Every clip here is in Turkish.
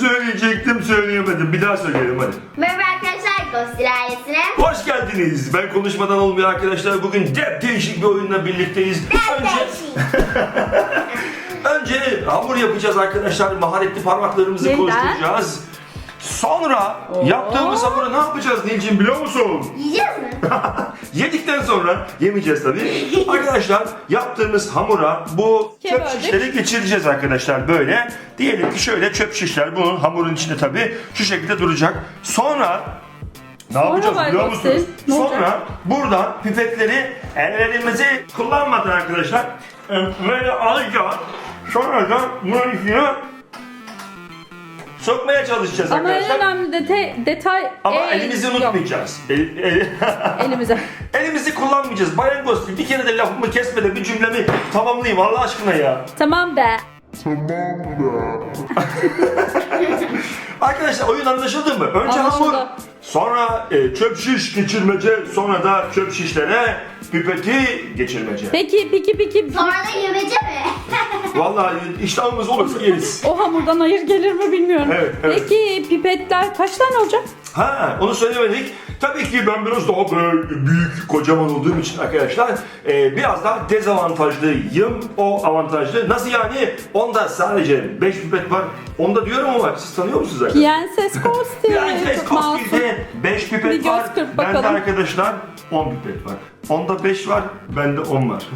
söyleyecektim söyleyemedim. Bir daha söyleyelim hadi. Merhaba arkadaşlar, Ghostil ailesine. Hoş geldiniz. Ben konuşmadan olmuyor arkadaşlar. Bugün değişik bir oyunla birlikteyiz. Önce hamur yapacağız arkadaşlar. Maharetli parmaklarımızı Neden? koşturacağız. Sonra yaptığımız hamuru ne yapacağız Nilcim biliyor musun? Yiyeceğiz mi? Yedikten sonra yemeyeceğiz tabii. Arkadaşlar yaptığımız hamura bu çöp Böldük. şişleri geçireceğiz arkadaşlar böyle. Diyelim ki şöyle çöp şişler bunun hamurun içinde tabii şu şekilde duracak. Sonra ne yapacağız Bay biliyor Ghostil, musunuz? ne olacak? Sonra buradan pipetleri ellerimizi kullanmadan arkadaşlar böyle alacağız. Sonra da bunun içine sokmaya çalışacağız Ama en arkadaşlar. önemli detay Ama elimizi yok. unutmayacağız. Elimize. Elimizi kullanmayacağız. Bayan Ghostil bir kere de lafımı kesmeden bir cümlemi tamamlayayım Allah aşkına ya. Tamam be. Arkadaşlar oyun anlaşıldı mı? Önce Anlaşıldı. hamur, sonra çöp şiş geçirmece, sonra da çöp şişlere pipeti geçirmece. Peki. Sonra da yemece mi? Vallahi iştahımız olursa yeriz. O hamurdan hayır gelir mi bilmiyorum. Evet. Peki pipetler kaç tane olacak? Ha, onu söylemedik. Tabii ki ben biraz daha böyle büyük, kocaman olduğum için arkadaşlar biraz daha dezavantajlıyım. O avantajlı. Nasıl yani? Onda sadece 5 pipet var. Onda diyorum ama siz tanıyor musunuz arkadaşlar? Prenses Ghostil. Prenses Çok masum. Ghostil'de 5 pipet Bir göz var. kırp Bende bakalım. arkadaşlar 10 pipet var. Onda 5 var, bende 10 var.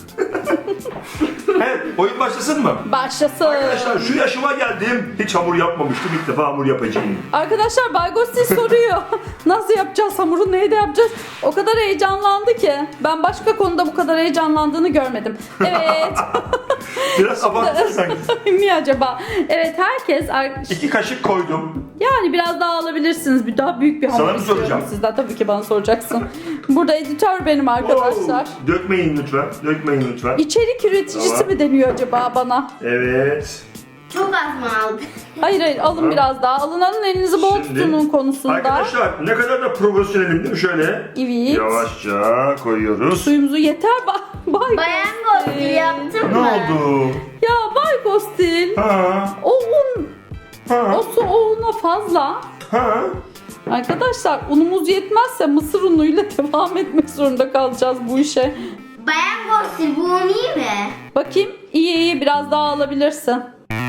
Evet, oyun başlasın mı? Başlasın. Arkadaşlar şu yaşıma geldim. Hiç hamur yapmamıştım. İlk defa hamur yapacağım. Arkadaşlar Bay Ghostil soruyor. Nasıl yapacağız hamuru, neyle yapacağız? O kadar heyecanlandı ki. Ben başka konuda bu kadar heyecanlandığını görmedim. Evet. Biraz abarttın sanki. Mi acaba? Evet herkes 2 kaşık koydum. yani biraz daha alabilirsiniz. Bir daha büyük bir hamur Sana mı istiyorum soracağım? sizden. Tabii ki bana soracaksın. Burada editör benim arkadaşlar. Oo, dökmeyin lütfen. Dökmeyin lütfen. İçerik üreticisi Tamam. mi deniyor acaba bana? Evet. Çok az mı aldın? Hayır alın Tamam. biraz daha. Alın elinizi bol Şimdi, tutunun konusunda. Arkadaşlar ne kadar da profesyonelim değil mi? Şöyle Evet. yavaşça koyuyoruz. Suyumuzu yeter Bay Bayan Ghostil. Ghostil yaptın Ne mı? oldu? Ya Bay Ghostil. Ha, O un, ha, o su o una fazla. ha. Arkadaşlar unumuz yetmezse mısır unuyla devam etmek zorunda kalacağız bu işe. Bayan Ghostil bu un iyi mi? Bakayım iyi biraz daha alabilirsin.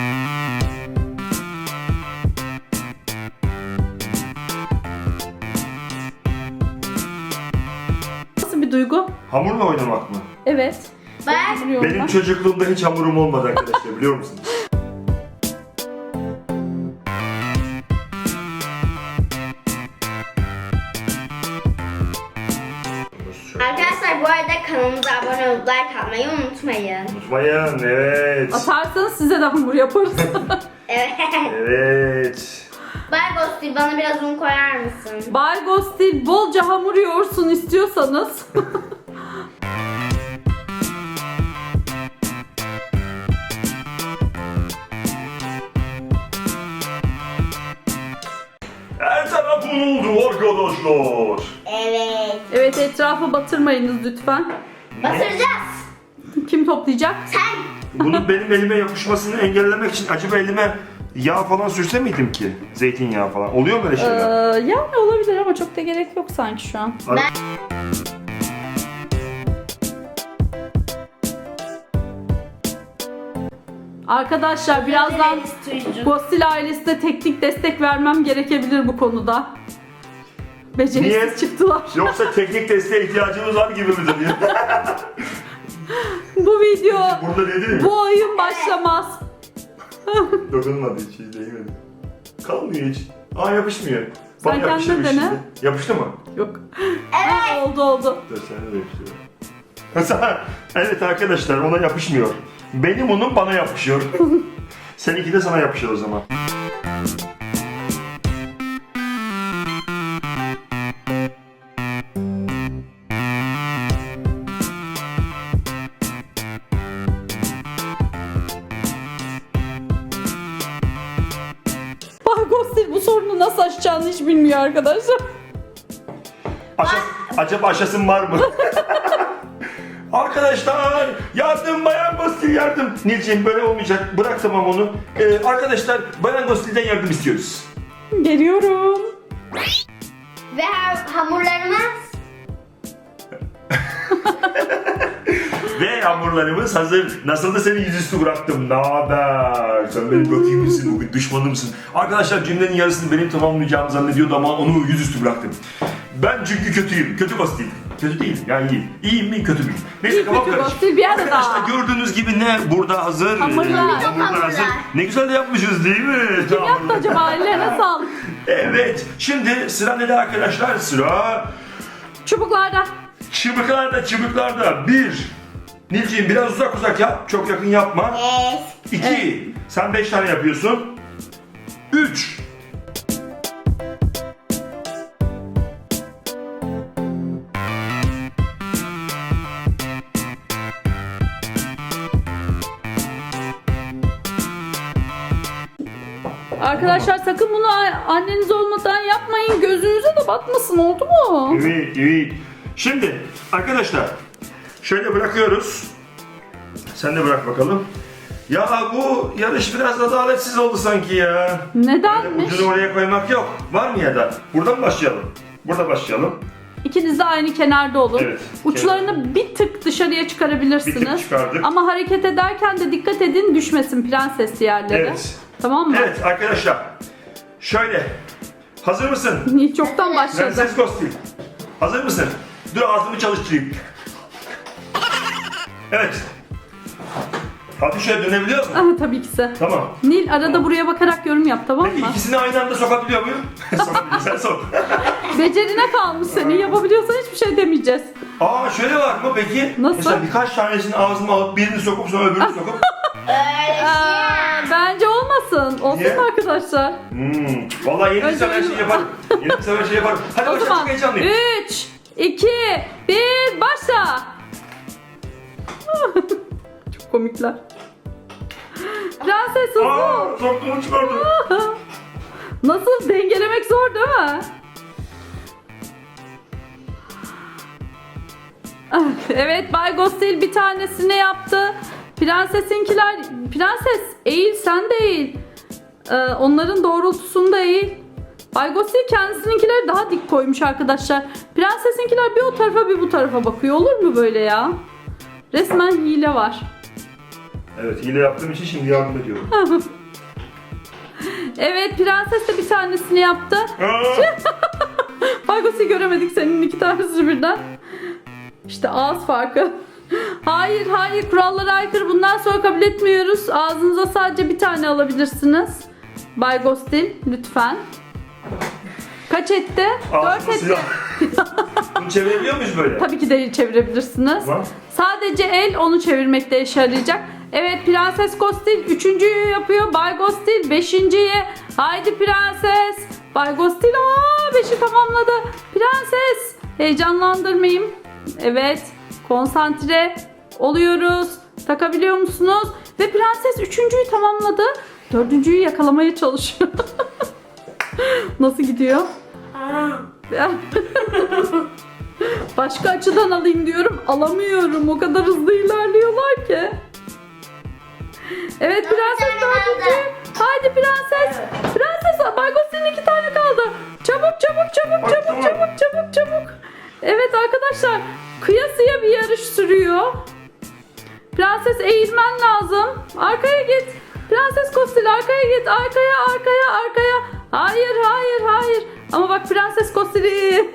Nasıl bir duygu? Hamurla oynamak mı? Evet. Bayan Biliyorum Benim ben. çocukluğumda hiç hamurum olmadı arkadaşlar biliyor musunuz? Arkadaşlar bu arada kanalımıza abone olup like atmayı unutmayın. Unutmayın evet. Atarsanız size de hamur yaparız. Evet. Evet. Bayan Ghostil bana biraz un koyar mısın? Bay Ghostil bolca hamur yoğursun istiyorsanız. Her taraf un oldu arkadaşlar. Evet. Evet etrafı batırmayınız lütfen. Batıracağız. Kim toplayacak? Sen. Bunun benim elime yapışmasını engellemek için acaba elime yağ falan sürse miydim ki? Zeytinyağı falan. Oluyor mu öyle şeyler? Yani olabilir ama çok da gerek yok sanki şu an. Arkadaşlar birazdan Ghostil ailesine teknik destek vermem gerekebilir bu konuda. Beceriksiz Niye? çıktılar. Yoksa teknik desteğe ihtiyacımız var gibi midir diye. Bu video, Burada dedi mi? bu oyun başlamaz. Dokunmadı hiç, hiç değmedi. Kalmıyor hiç. Aa yapışmıyor. Sen Bana yapıştı kendin bir dene. şimdi. Yapıştı mı? Yok. Ha, oldu. Dur sen de yapıştır. Mesela evet arkadaşlar ona yapışmıyor. Benim unum bana yapışıyor. Seninki de sana yapışır o zaman. Bay Ghostil bu sorunu nasıl aşacağını hiç bilmiyor arkadaşlar. Acaba aşasın var mı? Arkadaşlar yardım, Bayan Gostil yardım. Nilciğim böyle olmayacak. Bırak tamam onu. Arkadaşlar Bayan Gostil'den yardım istiyoruz. Geliyorum. Ve hamurlarımız Ve hamurlarımız hazır. Nasıl da seni yüzüstü bıraktım. Ne haber? Sen benim rakibimsin, bugün düşmanımsın. Arkadaşlar cümlenin yarısını benim tamamlayacağımı zannediyordu ama onu yüzüstü bıraktım. Ben çünkü kötüyüm. Kötü Gostil. Kötü değil yani iyi. İyiyim mi kötü müyüm? Neyse İyi, kafam kötü karışık. Gostil bir arada. Arkadaşlar gördüğünüz gibi ne burada hazır. Hamurlar. Hamurlar hazır. Ne güzel de yapmışız değil mi? Kim yaptı acaba? Ellerine sağlık. Evet. Şimdi sıra ne arkadaşlar? Sıra Çubuklarda. çubuklarda. 1. Nilciğim biraz uzak yap. Çok yakın yapma. 2. Sen 5 tane yapıyorsun. 3. Arkadaşlar sakın bunu anneniz olmadan yapmayın. Gözünüze de batmasın, oldu mu? Evet. Şimdi arkadaşlar şöyle bırakıyoruz. Sen de bırak bakalım. Ya bu yarış biraz adaletsiz oldu sanki ya. Nedenmiş? Ucunu oraya koymak yok. Var mı ya da? Buradan başlayalım. Burada başlayalım. İkiniz de aynı kenarda olun. Evet. Uçlarını bir tık dışarıya çıkarabilirsiniz. Bir tık çıkardık. Ama hareket ederken de dikkat edin, düşmesin prenses yerlere. Evet. Tamam mı? Evet arkadaşlar. Şöyle. Hazır mısın? Hiç çoktan başladı. Prenses Gostil. Hazır mısın? Dur ağzımı çalıştırayım. Evet. Hadi şöyle dönebiliyor musun? Ah, tabii ki de. Tamam. Nil arada buraya bakarak yorum yap, tamam Peki mı? ikisini aynı anda sokabiliyor muyum? Sokabiliyor. Sen sok. Becerine kalmış senin. Yapabiliyorsan hiçbir şey demeyeceğiz. Aa şöyle var mı peki? Nasıl? Mesela birkaç tanesini ağzıma alıp birini sokup sonra öbürünü sokup. Bence olmasın. Olsun Niye? mu arkadaşlar? Vallahi yeni Önce sefer her şeyi yaparım. Yeni sefer her şeyi yaparım. Hadi O başla zaman çok heyecanlıyım. 3, 2, 1, başla. Çok komikler. Prenses hızlı ol. Aa soktuğumu çıkardım. Nasıl, dengelemek zor değil mi? Evet, Bay Gostil bir tanesini yaptı. Prenses eğil, sen de eğil. Onların doğrultusunda eğil. Bay Gostil kendisininkileri daha dik koymuş arkadaşlar. Prensesinkiler bir o tarafa bir bu tarafa bakıyor. Olur mu böyle ya? Resmen hile var. Evet hile yaptığım için şimdi yardım ediyorum. Evet, prenses de bir tanesini yaptı. Aa, Bay Gostil göremedik senin iki tanesi birden. İşte ağız farkı. Hayır, kurallara aykırı. Bundan sonra kabul etmiyoruz. Ağzınıza sadece bir tane alabilirsiniz. Bay Gostil lütfen. Kaç etti? 4 ağzıma etti. silah. Bunu çevirebiliyor muyuz böyle? Tabii ki de çevirebilirsiniz. Tamam. Sadece el onu çevirmekte işe yarayacak. Evet, Prenses Gostil 3.'yü yapıyor. Bay Gostil 5.'yi. Haydi prenses. Bay Gostil 5'i tamamladı. Prenses. Heyecanlandırmayayım. Evet. Konsantre oluyoruz. Takabiliyor musunuz? Ve prenses 3.'yü tamamladı. 4.'yü yakalamaya çalışıyor. Nasıl gidiyor? Başka açıdan alayım diyorum. Alamıyorum. O kadar hızlı ilerliyorlar ki. Evet, prenses 4. Haydi prenses. Prenses, Bay Gostil'in 2 tane kaldı. Çabuk. Evet arkadaşlar, kıyasıya bir yarış sürüyor. Prenses eğilmen lazım. Arkaya git. Prenses Gostil arkaya git. Arkaya. Hayır. Ama bak Prenses Gostil'i.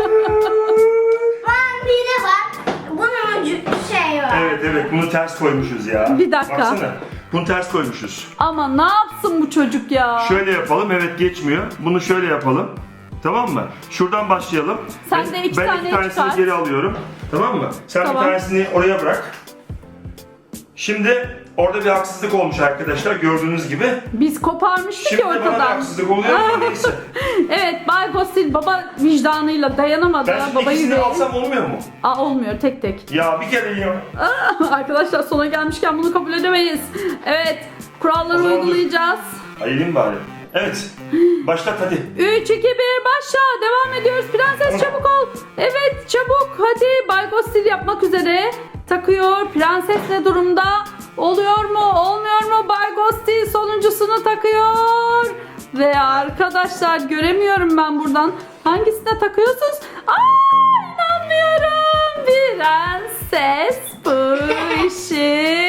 biri var. Bunun ucu şey var. Evet bunu ters koymuşuz ya. Bir dakika. Baksana. Bunu ters koymuşuz. Ama ne yapsın bu çocuk ya? Şöyle yapalım. Evet geçmiyor. Bunu şöyle yapalım. Tamam mı? Şuradan başlayalım. Sen de iki ben tane 2 tanesini çıkart. geri alıyorum. Tamam mı? Sen Tamam. bir tanesini oraya bırak. Şimdi orada bir haksızlık olmuş arkadaşlar gördüğünüz gibi. Biz koparmıştık Şimdi ya de bana bir ortadan. haksızlık oluyor ama neyse. Evet, Bay Gostil baba vicdanıyla dayanamadı. Ben şimdi Baba ikisini yüreği. alsam olmuyor mu? Olmuyor, tek. Ya bir kere ya. Arkadaşlar sona gelmişken bunu kabul edemeyiz. Evet, kuralları O zaman dur. uygulayacağız. Ayırayım bari. Evet. Başlat hadi. 3, 2, 1 başla. Devam ediyoruz. Prenses çabuk ol. Evet, çabuk. Hadi, Bay Gostil yapmak üzere. takıyor. Prenses ne durumda? Oluyor mu? Olmuyor mu? Bay Ghosty sonuncusunu takıyor. Ve arkadaşlar göremiyorum ben buradan. Hangisine takıyorsunuz? İnanmıyorum. Prenses bu işi.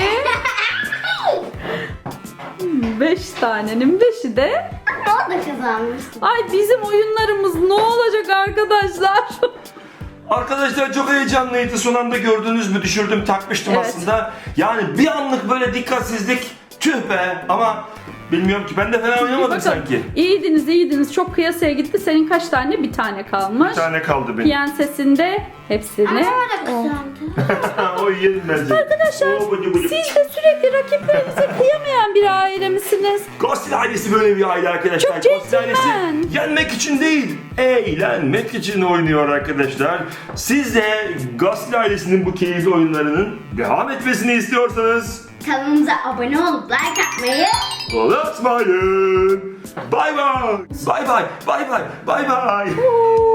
5 tanenin 5'i de. O da kazanmıştı. Ay bizim oyunlarımız ne olacak arkadaşlar? Arkadaşlar çok heyecanlıydı. Son anda gördünüz mü? Düşürdüm, takmıştım Evet. aslında. Yani bir anlık böyle dikkatsizlik. Tüh be. Ama bilmiyorum ki, ben de fena oynamadım Bakın, sanki. İyiydiniz. Çok kıyasaya gitti. Senin kaç tane? Bir tane kalmış. Bir tane kaldı benim. Piyensesinde hepsini. Ama o da kazandı. O yerim bence. Arkadaşlar Oo, bıcı bıcı. siz de sürekli rakiplerinize kıyamayan bir aile misiniz? Ghosty ailesi böyle bir aile arkadaşlar. Çok Ghosty ailesi centilmen. yenmek için değil, eğlenmek için oynuyor arkadaşlar. Siz de Ghosty ailesinin bu keyifli oyunlarının devam etmesini istiyorsanız Kanalımıza abone olup like atmayı. unutmayın. Bay bay. Bay bay. Bay bay. Bay bay. Oo.